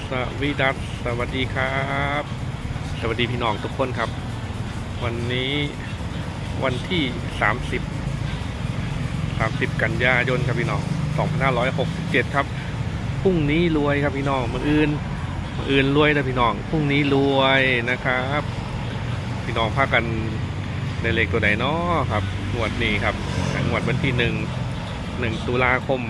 สวีดัสสวัสดีครับสวัสดีพี่น้องทุกคนครับวันนี้วันที่30กันยายนครับพี่น้อง2567ครับพรุ่งนี้รวยครับพี่น้องมื้ออื่นรวยนะพี่น้องพรุ่งนี้รวยนะครับพี่น้องพากันในเลขตัวไหนเนาะครับงวดนี้ครับงวดวันที่1 ตุลาคม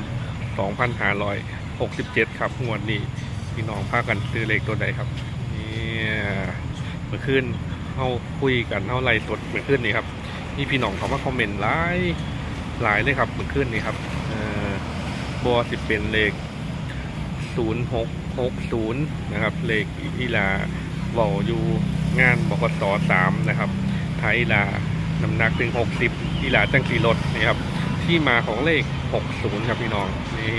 2567ครับงวดนี้พี่น้องพากันซื้อเลขตัวใดครับนี่เมื่อคืนเขาคุยกันเขาไล่สดเมื่อคืนนี้ครับนี่พี่น้องเขามาคอมเมนต์หลายเลยครับเมื่อคืนนี้ครับบัวสิเป็นเลข0660นะครับเลขอีลาเบาอยู่งานบกส3นะครับไทยอีลาน้ำหนักถึง60อีลาจังสีรถนี่ครับที่มาของเลข60ครับพี่น้องนี่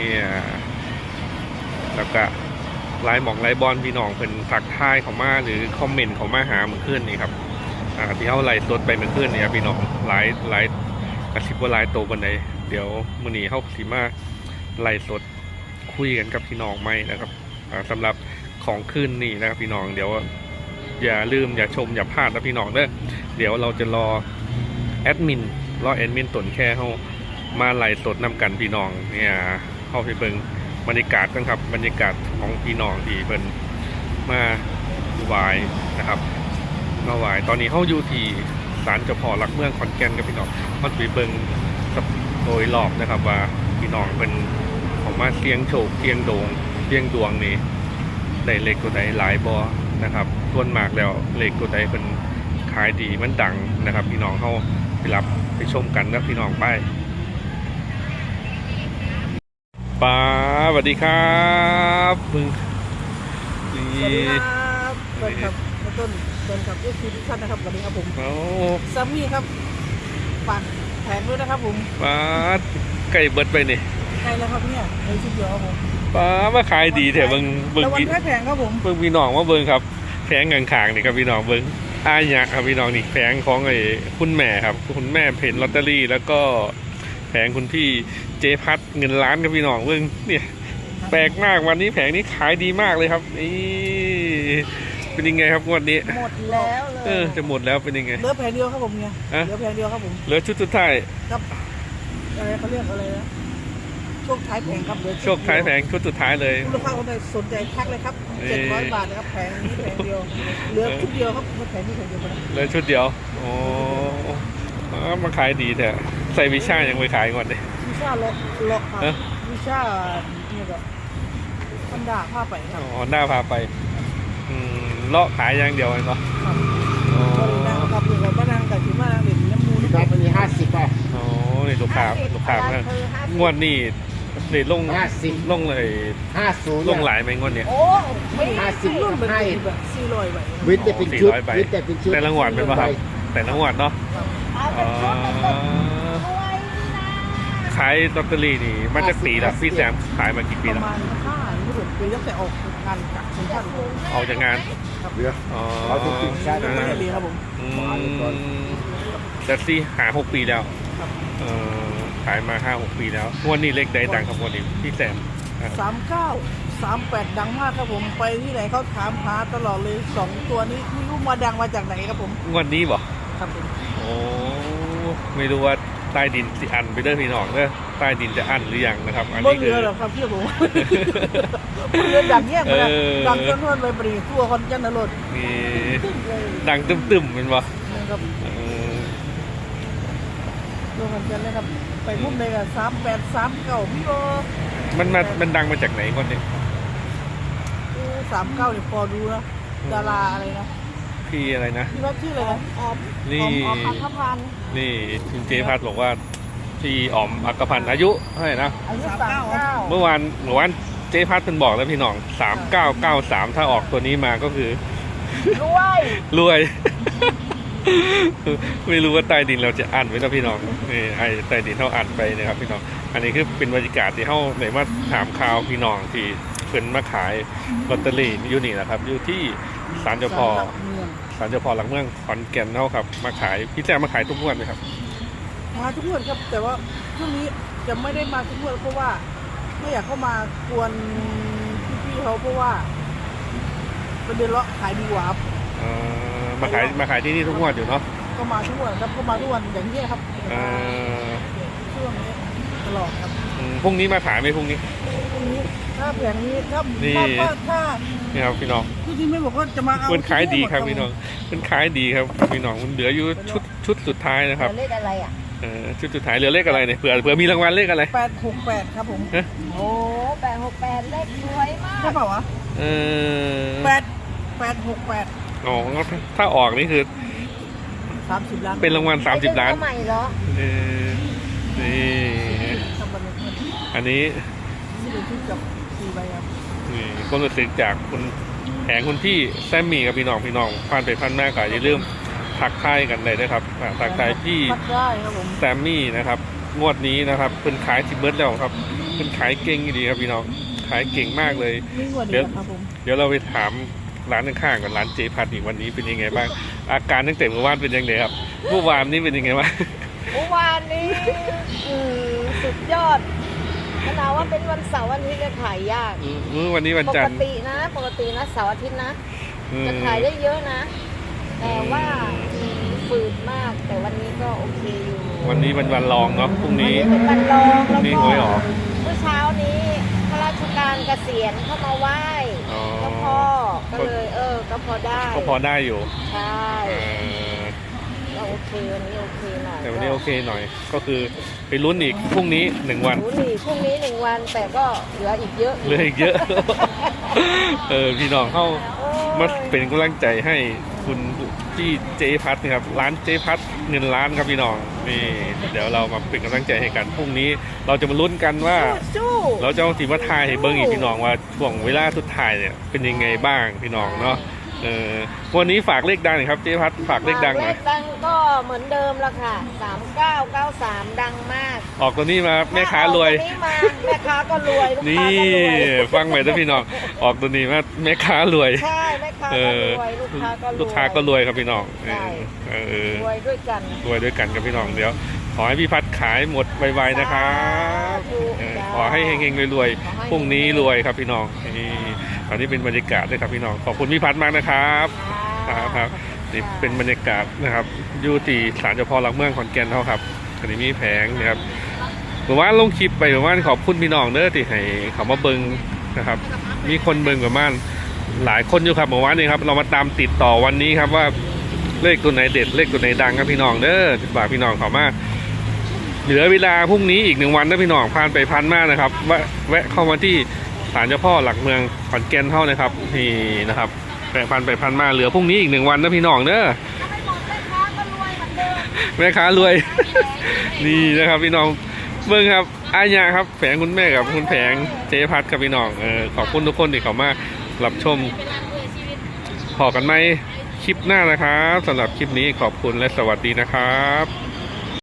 แล้วก็ไลน์หมองไลน์บอลพี่น้องเป็นทักทายเขามาหรือคอมเมนต์เขามาหาเหมือนขึ้นนี่ครับที่เขาไล่สดไปเหมือนขึ้นนี่ครับพี่น้องไลน์กระชิบว่าไลน์โตบันไดเดี๋ยวมื้อนี้เขาสีมาไล่สดคุยกันกับพี่น้องไหมนะครับสำหรับของขึ้นนี่นะครับพี่น้องเดี๋ยวอย่าลืมอย่าชมอย่าพลาดนะพี่น้องเด้อเดี๋ยวเราจะรอแอดมินตนแค่เขามาไล่สดนำกันพี่น้องเนี่ยเข้าไปเบิ่งบรรยากาศกันครับบรรยากาศของพี่น้องที่เพิ่นมาไหว้นะครับมาไหว้ตอนนี้เขาอยู่ที่ศาลเจ้าพ่อหลักเมืองขอนแก่นกับพี่น้องเขาไปเบิ่งโดยรอบนะครับว่าพี่น้องเป็นของมาเสียงโชคเสียงโด่งเสียงดวงนี่ได้เลขตัวใดหลายบ่นะครับส่วนมากแล้วเลขตัวใดเป็นขายดีมันดังนะครับพี่น้องเขาไปรับไปชมกันนะพี่น้องไปป้าสวัสดีครับมึงสวัสดีครับเบิร์นครับต้นเบิร์นครับทุกท่านนะครับวันนี้ครับผมซัมมี่ครับฝากแผงด้วยนะครับผมป้าไก่เบิดไปนี่ใครแล้วครับเนี่ยในชุดเดียวครับผมป้ามาขายดีแถวเบิ้งวันแค่แผงครับผมเบิ้งพี่น้องว่าเบิ้งครับแผงขางๆนี่ครับพี่น้องเบิ้งอายะครับพี่น้องนี่แผงของไอ้คุณแม่ครับคุณแม่เพจลอตเตอรี่แล้วก็แผงคุณพี่เจพัดเงินล้านครับพี่น้องเบิ้งเนี่ยแปลกมากวันนี้แผงนี้ขายดีมากเลยครับนี่เป็นยังไงครับงวดนี้หมดแล้วเลยจะหมดแล้วเป็นยังไงเหลือแผงเดียวครับผมเนี่ยเหลือแผงเดียวครับผมเหลือชุดสุดท้ายครับอะไรเขาเรียกอะไรนะช่วงท้ายแผงครับช่วงท้ายแผงชุดสุดท้ายเลยลูกค้าคนใดสนใจทักเลยครับ700 บาทนะครับแผงนี้แผงเดียวเหลือชุดเดียวครับแผงนี้แผงเดียวนะเหลือชุดเดียวโอ้มาขายดีแต่ใส่วิชายังไม่ขายก่อนเลยวิชาล็อกครับวิชาเนี่ยแบบมันด่าผ้าไปครับอ๋อหน้าพาไปเลาะขายอย่างเดียวเนาะนั่งกับเรือมานั่งกับที่มานั่งเด็ดน้ำมูนี่ครับมันมี50 อ่ะอ๋อนี่ลูกค้นะงวดนี่เด็ดลงเลย 50 ลงหลายไหมงวดเนี่ยโอ้ไม่50รุ่นเป็นแบบ400ใบวิทย์แต่เป็นชุดวิทย์แต่เป็นชุดแต่ละงวดเป็นป่ะครับแต่ละงวดเนาะขายลอตเตอรี่นี่มันจะปีละพี่แซมขายมากี่ปีแล้วประมาณ5 ปีตั้งแต่ออกงานกับคุณท่านออกจากงานเรือเราถูกติดใช่ไม่ได้เรียนครับผมแต่ซี่6 ปีแล้วขายมา5-6 ปีแล้ววันนี้เลขใดดังครับวันนี้พี่แซม 3938ดังมากครับผมไปที่ไหนเขาถามหาตลอดเลย2ตัวนี้ไม่รู้มาดังมาจากไหนครับผมวันนี้บ่ครับผมโอ้ไม่รู้ว่าใต้ดินสิอันไปเด้อพี่น้องเด้อใต้ดินจะอันหรือยังนะครับอันนี้คือเรือหรอครับพี่ผมเรือดังแยกไปดังจนไปปรีทั่วคอนเจนนรถนี่ดังตึมๆเป็นบ่ครับทั่วคอนเจนเลยครับไปพุ่มเลยกับ3839พี่โอมันดังมาจากไหนก่อนเนี่ย 39เนี่ยพอดูนะดาราอะไรนะพี่อะไรนะพี่ว่าชื่ออะไรนะอ๋อมอัครพันธ์นี่คุณเจพัดบอกว่าพี่อ๋อมอัครพันธ์อายุเท่าไหร่นะอายุ39 เมื่อวานเจพัดเป็นบอกแล้วพี่น้อง3993ถ้าออกตัวนี้มาก็คือรวยไม่รู้ว่าใต้ดินเราจะอ่านไว้นะพี่น้องนี่ไอ้ใต้ดินเขาอ่านไปนะครับพี่น้องอันนี้คือเป็นบรรยากาศที่เขาไหนมาถามข่าวพี่น้องที่เพิ่นมาขายลอตเตอรี่อยู่นี่นะครับอยู่ที่ศาลเจ้าพ่อหลักเมืองขอนแก่นเขาครับมาขายพี่แจ๊มาขายทุกงวดไหมครับมาทุกงวดครับแต่ว่าช่วงนี้จะไม่ได้มาทุกงวดเพราะว่าไม่อยากเข้ามากวนพี่ๆเขาเพราะว่าเป็นเดือนละขายดีกว่าครับมาขายที่นี่ทุกงวดอยู่เนาะก็มาทุกวันครับก็มาทุกวันอย่างนี้ครับอ่าช่วงนี้ตลอดครับพรุ่งนี้มาขายไหมพรุ่งนี้พรุ่งนี้ถ้าแผงนี้ถ้านี่ถ้านี่ครับพี่น้องที่ไม่บอกว่าจะมาเอามันขายดีครับพี่น้องมันขายดีครับพี่น้องมันเหลืออยู่ชุดสุดท้ายนะครับเลขอะไรอ่ะชุดสุดท้ายเหลือเลขอะไรเนี่ยเผื่อมีรางวัลเลขอะไร 868ครับผมโอ้868 เลขสวยมากใช่เปล่าวะเออ 868 อ๋อถ้าออกนี่คือ 30 ล้านเป็นรางวัล30 ล้านใหม่เหรอเออนี่ทำบันทึกอันนี้ที่เป็นชุดกับ4ใบครับนี่ก็รู้สึกจากคุณแผงคุณพี่แซมมี่กับพี่น้องผ่านไปพันมากก็อย่าลืมทักทายกันเลยนะครับทักทายพี่พัดได้ครับผมแซมมี่นะครับงวดนี้นะครับเป็นขายสิบเบิร์ดแล้วครับเป็นขายเก่งดีครับพี่น้องขายเก่งมากเลยนี่กว่านี้ครับผมเดี๋ยวเราไปถามร้านข้างๆก่อนร้านเจพัดอีกวันนี้เป็นยังไงบ้างอาการตั้งแต่เมื่อวานเป็นยังไงครับเมื่อวานนี้เป็นยังไงบ้างเมื่อวานนี้สุดยอดขนาดว่าเป็นวันเสาร์วันอาทิตย์จะขายยากวันนี้วันปจักนทร์ตินะเสาร์อาทิตย์นะอืมจะขายได้เยอะนะ แต่ว่าฝืดมาก แต่วันนี้ก็โอเคอยู่วันนี้เป็นวันรองเนาะพรุ่งนี้เป็นวันรองพรุ่แล้วงนี้ก็หวยออกเมื่อเช้านี้ข้าราชการเกษียณเข้ามาไหว้อ๋อเจ้าพ่อก็เลยก็พอได้ก็พอได้อยู่ใช่เออก็โอเควันนี้โอเคหน่อยแต่วันนี้โอเคหน่อย ก็คือไปลุ้นอีกพรุ่งนี้1 วันรู้นี่พรุ่งนี้1 วันแต่ก็เหลืออีกเยอะเหลืออีกเยอะ พี่น้องเข้ามาเป็นกำลังใจให้คุณที่เจพัทนะครับร้านเจพัทเงินล้านครับพี่น้องนี่เดี๋ยวเรามาเป็นกำลังใจให้กันพรุ่งนี้เราจะมาลุ้นกันว่าสู้เราจะเอาสีมาทายให้เบิ้งอีกพี่น้องว่าช่วงเวลาสุดท้ายเนี่ยเป็นยังไงบ้างพี่น้องเนาะวันนี้ฝากเลขดังหน่อยครับเจพัทฝากเลขดังหน่อยเลขดังก็เหมือนเดิมละค่ะ3993ดังมากออกตัวนี้มาแม่ค้ารวยถ้ออกตัวนี้มาแม่ค้าก็รวยลูกค้านี่ก็รวยฟังไว้นะพี่น้องออกตัวนี้มาแม่ค้ารวยใช่แม่ค้าก็รวยลูกค้าก็รวยลูกค้าก็รวยครับพี่น้องใช่รวยด้วยกันรวยด้วยกันครับพี่น้องเดี๋ยวขอให้พี่พัดขายหมดไวๆนะครับสาธุขอให้เฮงๆรวยขอให้ๆพรุ่งนี้รวยครับพี่น้องนี่อันนี้เป็นบรรยากาศด้วยครับพี่น้องขอบคุณพี่พัดมากนะครับครับนี่เป็นบรรยากาศนะครับอยู่ที่ศาลเจ้าพ่อหลักเมืองขอนแก่นเท่าครับอันนี้มีแผงนะครับผมว่าลงคลิปไปผมว่าขอบคุณพี่น้องเด้อที่ให้เขามาเบิงนะครับมีคนเบิงประมาณหลายคนอยู่ครับเมื่อวานนี้ครับเรามาตามติดต่อวันนี้ครับว่าเลขตัวไหนเด็ดเลขตัวไหนดังครับพี่น้องเด้อฝากพี่น้องเขามาเหลือเวลาพรุ่งนี้อีก1 วันนะพี่น้องผ่านไปพันมากนะครับแวะเข้ามาที่ศาลเจ้าพ่อหลักเมืองขอนแก่นเท่านะครับนี่นะครับแวะพันไปพันมาเหลือพรุ่งนี้อีก1 วันนะพี่น้องเด้อไม่หมดแม่ค้าก็รวยเหมือนเดิมแม่ค้ารวย นี่นะครับพี่น้องเบิ่งครับอาญาครับแผงคุณแม่กับคุณแผงเจพัดกับพี่น้องขอบคุณทุกคนที่เขามารับชมพอกันไหมคลิปหน้านะครับสำหรับคลิปนี้ขอบคุณและสวัสดีนะครับ